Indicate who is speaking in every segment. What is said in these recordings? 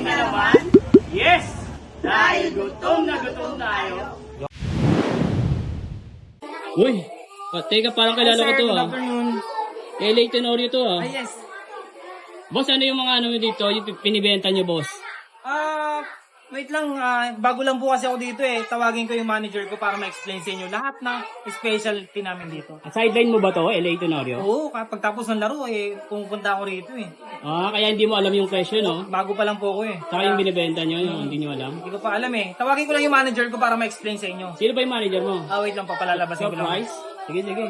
Speaker 1: Kumain na naman? Yes! Dahil gutom na gutom tayo.
Speaker 2: Uy, teka, parang kilala ko to
Speaker 3: Good
Speaker 2: ah.
Speaker 3: afternoon.
Speaker 2: LA Tenorio to ah.
Speaker 3: Yes.
Speaker 2: Boss, ano yung mga ano nyo dito? Yung pinibenta nyo, boss?
Speaker 3: Wait lang. Bago lang po kasi ako dito eh. Tawagin ko yung manager ko para ma-explain sa inyo lahat ng specialty namin dito.
Speaker 2: Sideline mo ba to, LA Tenorio?
Speaker 3: Oo, kapag tapos ng laro eh, pumunta ako rito eh.
Speaker 2: Kaya hindi mo alam yung presyo, no?
Speaker 3: Bago pa lang po ako eh.
Speaker 2: Saka yung binibenta nyo, yung hindi nyo alam.
Speaker 3: Hindi ko pa alam eh. Tawagin ko lang yung manager ko para ma-explain sa inyo.
Speaker 2: Sino ba yung manager mo?
Speaker 3: Wait lang pa, palalabasin ko lang.
Speaker 2: Price? Sige, sige.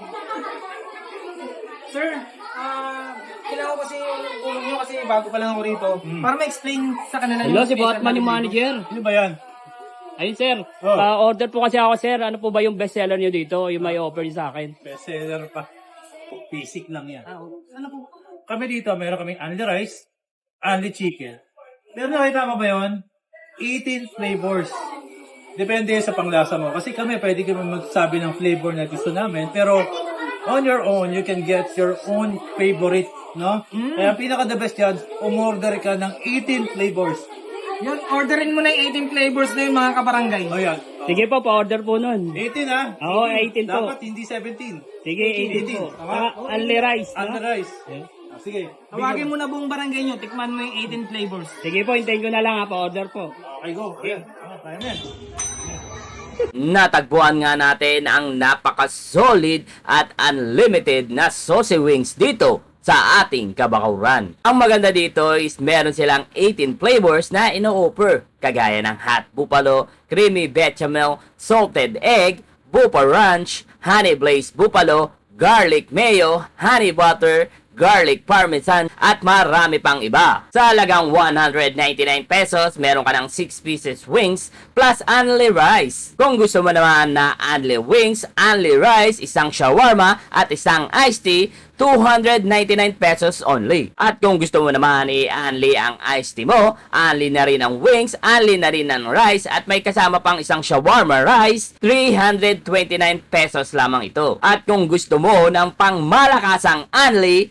Speaker 3: Sir, kailangan ko kasi yung tulong nyo kasi bago pa lang ako rito. Para ma-explain sa kanila
Speaker 2: Hello, si
Speaker 3: special
Speaker 2: Botman yung
Speaker 3: namin
Speaker 2: manager.
Speaker 1: Ano ba yan?
Speaker 2: Ayun, sir. Order po kasi ako, sir. Ano po ba yung bestseller nyo dito? Yung may offer niyo sa akin?
Speaker 1: Bestseller pa. Basic lang yan.
Speaker 3: dito. Ano po?
Speaker 1: Kami dito, meron kaming only rice, only chicken. Pero nakita mo ba yun? 18 flavors. Depende sa panglasa mo. Kasi kami, pwede kami magsabi ng flavor na gusto namin. Pero on your own, you can get your own favorite. No? Kaya pinaka the best yan, umorder ka ng 18 flavors.
Speaker 3: Yun, orderin mo na yung 18 flavors na yung mga kabarangay.
Speaker 1: O yan.
Speaker 2: Sige po, pa-order po nun.
Speaker 1: 18 ha?
Speaker 2: Oo, 18 po.
Speaker 1: Dapat hindi 17.
Speaker 2: Sige, 18 po.
Speaker 1: 18. Tama?
Speaker 2: Only rice, no?
Speaker 1: Only rice. Sige.
Speaker 3: Tawagin mo na buong barangay nyo, tikman mo yung 18 flavors.
Speaker 2: Sige po, hintayin ko na lang ha, pa-order po.
Speaker 1: Okay, go. Ayan. Kaya na yan.
Speaker 4: Natagpuan nga natin ang napaka-solid at unlimited na saucy wings dito sa ating Kabakauran. Ang maganda dito is meron silang 18 flavors na ino-offer, kagaya ng hot buffalo, creamy bechamel, salted egg, buffalo ranch, honey glazed buffalo, garlic mayo, honey butter, garlic parmesan, at marami pang iba. Sa halagang 199 pesos, meron ka ng 6 pieces wings plus only rice. Kung gusto mo naman na only wings, only rice, isang shawarma at isang iced tea, 299 pesos only. At kung gusto mo naman i-only ang iced tea mo, only na rin ang wings, only na rin ang rice, at may kasama pang isang shawarma rice, 329 pesos lamang ito. At kung gusto mo ng pangmalakasang only,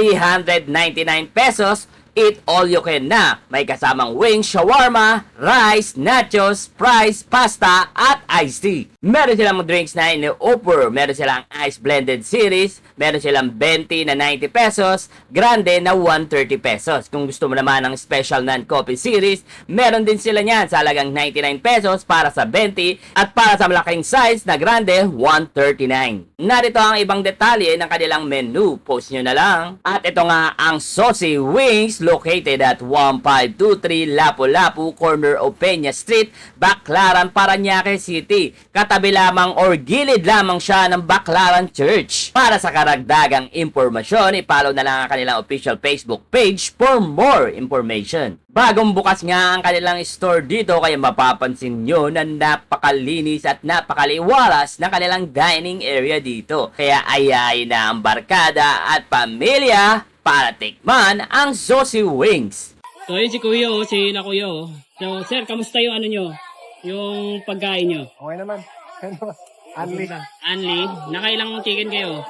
Speaker 4: 399 pesos, eat all you can na. May kasamang wings, shawarma, rice, nachos, fries, pasta, at iced tea. Meron silang drinks na ini-offer. Meron silang ice blended series. Meron silang 20 na 90 pesos. Grande na 130 pesos. Kung gusto mo naman ng special non-coffee series, meron din sila niyan sa halagang 99 pesos para sa 20. At para sa malaking size na grande, 139. Narito ang ibang detalye ng kanilang menu. Post nyo na lang. At ito nga ang saucy wings, located at 1523 Lapu-Lapu, corner of Peña Street, Baclaran, Parañaque City. Katabi lamang or gilid lamang siya ng Baclaran Church. Para sa karagdagang impormasyon, i-follow na lang ang kanilang official Facebook page for more information. Bagong bukas nga ang kanilang store dito, kaya mapapansin nyo na napakalinis at napakaliwalas na kanilang dining area dito. Kaya ayayin na ang barkada at pamilya para tikman ang saucy wings.
Speaker 2: So yun si Kuya, si na Kuya. So sir, kamusta yung ano nyo? Yung pagkain nyo?
Speaker 5: Okay naman. Only
Speaker 2: Only? Nakailang chicken kayo?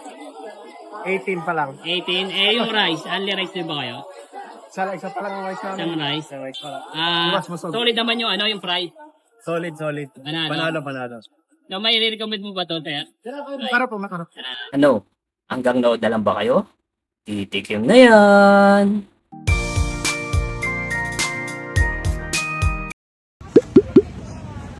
Speaker 5: 18 pa lang.
Speaker 2: 18? Yung rice, only rice din ba kayo?
Speaker 5: Isa pa lang ang rice namin.
Speaker 2: Isang rice?
Speaker 5: Isang rice pa lang. Mas masog.
Speaker 2: Solid naman yung ano, yung fry.
Speaker 5: Solid. Panalo.
Speaker 2: No, may recommend mo ba to, Ter?
Speaker 5: Makarap.
Speaker 4: Ano? Hanggang nood na lang ba kayo? Titikim na yan!